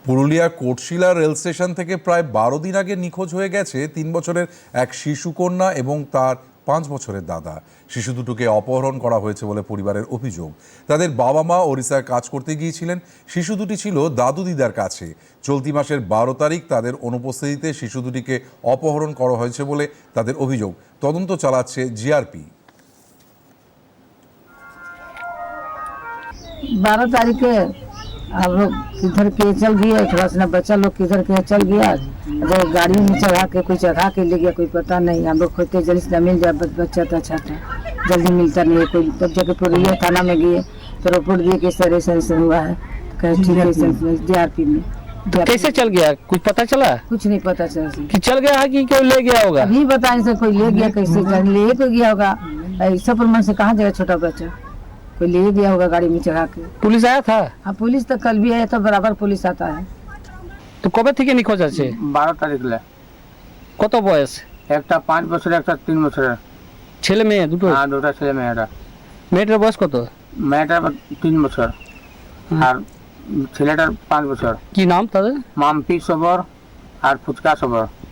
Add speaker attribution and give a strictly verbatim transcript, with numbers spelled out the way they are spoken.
Speaker 1: Purulia কোটশিলা rail station থেকে প্রায় বারো দিন আগে নিখোঁজ হয়ে গেছে তিন বছরের এক শিশু কন্যা এবং তার পাঁচ বছরের দাদা। শিশু দুটোকে অপহরণ করা হয়েছে বলে পরিবারের অভিযোগ। তাদের বাবা মা ওড়িশায় কাজ করতে গিয়েছিলেন। শিশু দুটি ছিল দাদু দিদার কাছে। চলতি মাসের বারো তারিখ তাদের অনুপস্থিতিতে শিশু দুটিকে অপহরণ করা হয়েছে বলে তাদের অভিযোগ। তদন্ত চালাচ্ছে জিআরপি।
Speaker 2: बारह तारीख के हम लोग किधर के चल गए, थोड़ा सा बच्चा लोग किधर के चल गया, जो गाड़ी में चढ़ा के कोई चढ़ा के ले गया कोई पता नहीं। हम लोग खोजते जल्दी से मिल जाए, बच्चा तो अच्छा था, जल्दी मिलता नहीं है कोई। तब जाके पुरलिया थाना में गए तो रिपोर्ट दिए कि सर ऐसा ऐसा हुआ है। कहे ठीक है, जीआरपी में।
Speaker 3: तो कैसे चल गया, कुछ पता चला?
Speaker 2: कुछ नहीं पता चला
Speaker 3: कि चल गया है कि कोई ले गया होगा?
Speaker 2: अभी बताने से कोई ले गया, कैसे ले तो गया होगा। ऐसा प्रमाण से कहाँ जाएगा छोटा बच्चा, कोई ले गया होगा गाड़ी में चढ़ा के।
Speaker 3: पुलिस आया था?
Speaker 2: हाँ, पुलिस तो कल भी आया था, बराबर पुलिस आता है।
Speaker 3: তো কবে থেকে নিখোঁজ আছে?
Speaker 4: বারো তারিখ লে।
Speaker 3: কত বয়স?
Speaker 4: একটা পাঁচ বছর, একটা তিন বছরের।
Speaker 3: ছেলে মেয়ে দুটো?
Speaker 4: হ্যাঁ, দুটা ছেলে মেয়েরা।
Speaker 3: মেয়েটার বয়স কত?
Speaker 4: মেয়েটার তিন বছর আর ছেলেটার পাঁচ বছর।
Speaker 3: কি নাম তাদের?
Speaker 4: মাম্পি সবর আর ফুচকা সবর।